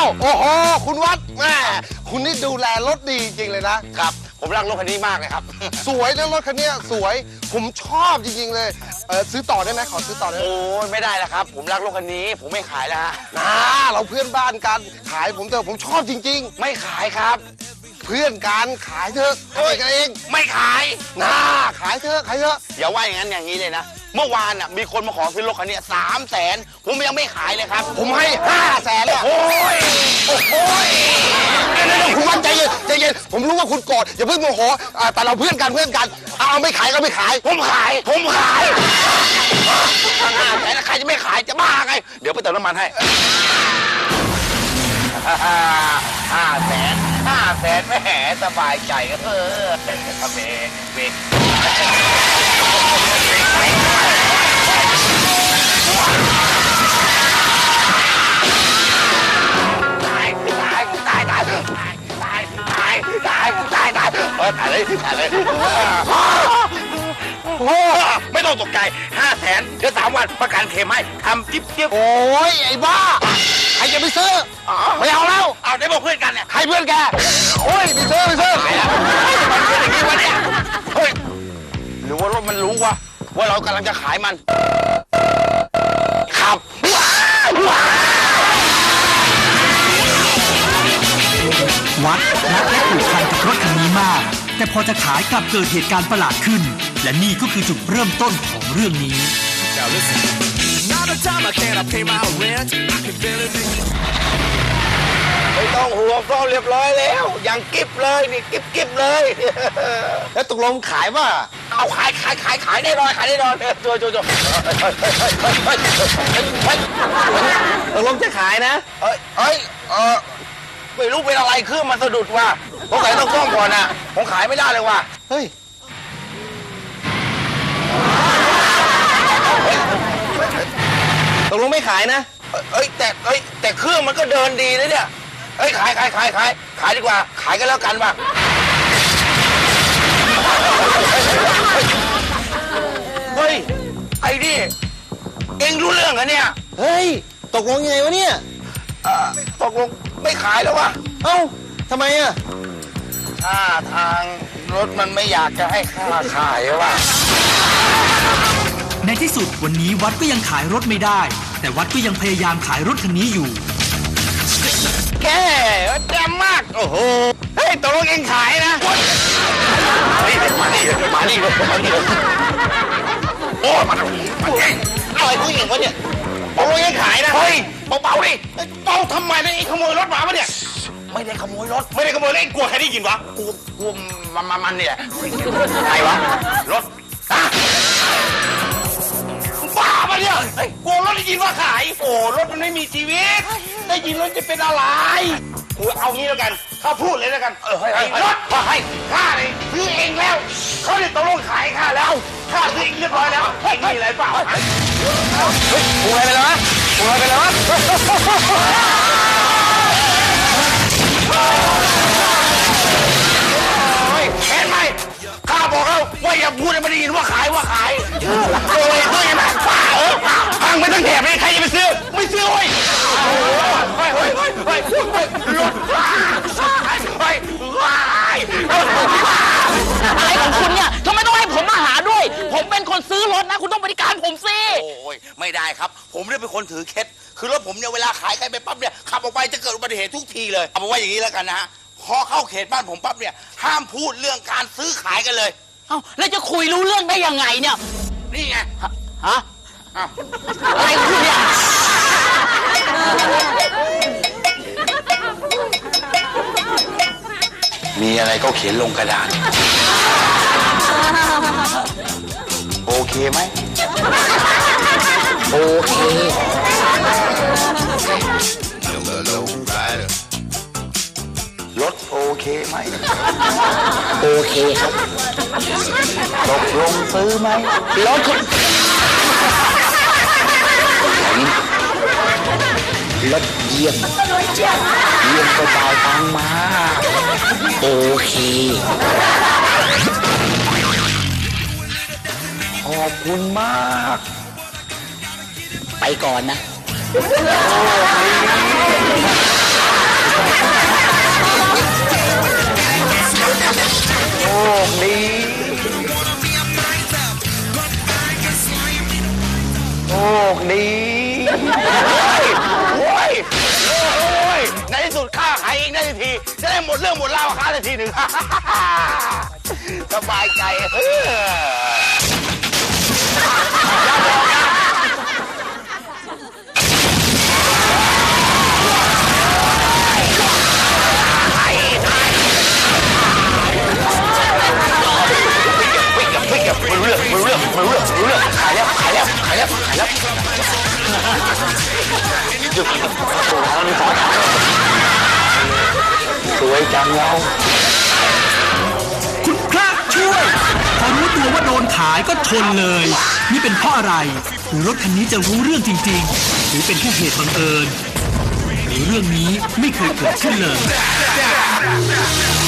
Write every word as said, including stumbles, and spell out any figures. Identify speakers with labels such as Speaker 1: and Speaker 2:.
Speaker 1: โอ้โหคุณวัดแม่คุณนี่ดูแลรถดีจริงๆเลยนะครับ
Speaker 2: ผมรักรถคันนี้มากเลยครับ
Speaker 1: สวยนะรถคันนี้สวยผมชอบจริงๆเลยเออซื้อต่อได้ไหมขอซื้อต่อได้ไหม
Speaker 2: โอ้ยไม่ได้แล้วครับผมรักรถคันนี้ผมไม่ขายแล้วฮะ
Speaker 1: นะเราเพื่อนบ้านกันขายผมเถอะผมชอบจริง
Speaker 2: ๆไม่ขายครับ
Speaker 1: เพื่อนกันขายเถอะขายกันเอง
Speaker 2: ไม่ขาย
Speaker 1: นะขายเถอะขายเถอะ
Speaker 2: อย่าว่าอย่างนั้นอย่างนี้เลยนะเมื่อวานน่ะมีคนมาขอซื้อรถคันนี้สามแสนผมยังไม่ขายเลยครับ
Speaker 1: ผมให้ห้าแสนเลย
Speaker 2: โอ้ยโอ้ย
Speaker 1: เดี๋ยวคุณวัดใจเย็นใจเย็นผมรู้ว่าคุณโกรธอย่าเพิ่งโมโหแต่เราเพื่อนกันเพื่อนกันเอาไม่ขายก็ไม่ขาย
Speaker 2: ผมขายผมขายห้าแสนใครจะไม่ขายจะบ้าไงเดี๋ยวไปเติมน้ำมันให้ห้าแสนห้าแสนแม่สบายใจเออเบรกเบรกตายตายตายตายตายตายตายตายตายตายเออตายเลยตายเลยไม่ต้องตกใจห้าแสนเดี๋ยวสามวันประกันเคลมให้ทำจิ๊บจิ๊บ
Speaker 1: โอ้ยไอ้บ้าใครจะไปซื้อไม่เอาแล้ว
Speaker 2: เอาได้บอกเพื่อนกันเนี่ย
Speaker 1: ใครเพื่อนแกโอ้ยไปซื้อไปซื้อ
Speaker 2: มันเป็นอย่างนี้วะเนี่ยเฮ้ยหรือว่ารถมันรู้วะว่าเรากำลังจะขายมันขับ
Speaker 3: วัดรักและผูกพันกับรถคันนี้มากแต่พอจะขายกลับเกิดเหตุการณ์ประหลาดขึ้นและนี่ก็คือจุดเริ่มต้นของเรื่องนี้
Speaker 2: ไม่ต้องห่วงก็เรียบร้อยแล้วอย่างกิ๊บเลยนี่กิ๊บกิ๊บเลย
Speaker 1: แล้วตกลงขายป่ะ
Speaker 2: เอาขายขายขายขายแน่นอนขายแน่นอนตัวตัวตัว
Speaker 1: ตกลงจะขายนะ
Speaker 2: เฮ้ยเฮ้ยเออไม่รู้เป็นอะไรเครื่องมันสะดุดว่ะผมขายต้องซ่อมก่อนนะผมขายไม่ได้เลยว่ะ
Speaker 1: เฮ้ยตกลงไม่ขายนะ
Speaker 2: เอ้ยแต่เอ้ยแต่เครื่องมันก็เดินดีนะเนี่ยเอ้ยขายขายขายขายขายดีกว่าขายกันแล้วกันว่ะเฮ้ยไอ้นี่เอ็งรู้เรื่องเหรอเนี่ย
Speaker 1: เฮ้ยตกลงยังไงวะเนี่ย
Speaker 2: ตกลงไม่ขายแล้ววะ
Speaker 1: เอ้าทำไมอ่ะ
Speaker 2: ท่าทางรถมันไม่อยากจะให้ค่าขายว่ะ
Speaker 3: ในที่สุดวันนี้วัดก็ยังขายรถไม่ได้แต่วัดก็ยังพยายามขายรถคันนี้อยู่
Speaker 2: แกแจ่มมากโอ้โหเฮ้ยตกลงเองขายนะเฮ้ยมาดิมาดิมาดิโอ้มาดิมาดิอะไรผู้หญิงวะเนี่ยตกลงเองขายนะเฮ้ยเบาๆดิเบาทำไมเนี่ยไอ้ขโมยรถมาปะเนี่ยไม่ได้ขโมยรถไม่ได้ขโมยเลยกลัวใครได้ยินวะกลัวกลัวมันมันเนี่ยใครวะรถบ้าปะเนี่ยกลัวรถได้ยินว่าขายโอ้รถมันไม่มีชีวิตได้ยินรถจะเป็นอะไรเอางี้แล้วกันข้าพูดเลยแล้วกันเออให้รถให้ข้าเลยซื้อเองแล้วเขาเนี่ยตกลงขายข้าแล้วข้าซื้อเองเรียบร้อยแล้วเฮ้ยมีอะไรเปล่าเฮ้ยปูอะไรไปแล้ววะปูอะไรไปแล้ววะเห็นไหมข้าบอกแล้วว่าอย่าพูดให้มันได้ยินว่าขายว่าขายโอ้ยด้วยนะป้าเออพังไปตั้งแถบเลยใครจะไปซื้อไม่ซื้อเว้ยเฮ้ยเฮ้ยเฮ้ยเฮ้ยเฮ้ยรถว้าเฮ้ยว้าย
Speaker 4: อะไรของคุณเนี่ยทำไมต้องให้ผมมาหาด้วยผมเป็นคนซื้อรถนะคุณต้องบริการผมสิ
Speaker 2: โอ้ยไม่ได้ครับผมเนี่ยเป็นคนถือเคล็ดคือรถผมเนี่ยเวลาขายใครไปปั๊บเนี่ยขับออกไปจะเกิดอุบัติเหตุทุกทีเลยเอาเป็นว่าอย่างนี้แล้วกันนะฮะพอเข้าเขตบ้านผมปั๊บเนี่ยห้ามพูดเรื่องการซื้อขายกันเลย
Speaker 4: เอ้าแล้วจะคุยรู้เรื่องได้ยังไงเนี่ย
Speaker 2: นี่ไง
Speaker 4: ฮะอะไรคุณเนี่ย
Speaker 2: มีอะไรก็เขียนลงกระดาษโอเคไหม
Speaker 4: โอเค
Speaker 2: รถโอเคไหม
Speaker 4: โอเคครับ
Speaker 2: ตกลงซื้อไหม
Speaker 4: รถคุณรถเยี่ยมเยี่ยมก็จ่ายตังค์มาโอเค
Speaker 2: ขอบคุณมาก
Speaker 4: ไปก่อนนะ
Speaker 2: คดีโชคดีโอ้ยโอ้ยในที่สุดข้าขายเองได้ทีจะได้หมดเรื่องหมดราวกับข้าได้ทีหนึ่ง สบายใจเออไม่เก็บไม่รู้เรื่องไม่รู้เรื่องไม่รู้เรื่องไม่รู้เรื่องขายแล้วขายแล้วขายแล้วขายแล้วสวยจังเรา
Speaker 3: คุณพระช่วย พอรู้ตัวว่าโดนขายก็ชนเลย นี่เป็นเพราะอะไร หรือรถคันนี้จะรู้เรื่องจริงๆ หรือเป็นแค่เหตุบังเอิญหรือเรื่องนี้ไม่เคยเกิดขึ้นเลย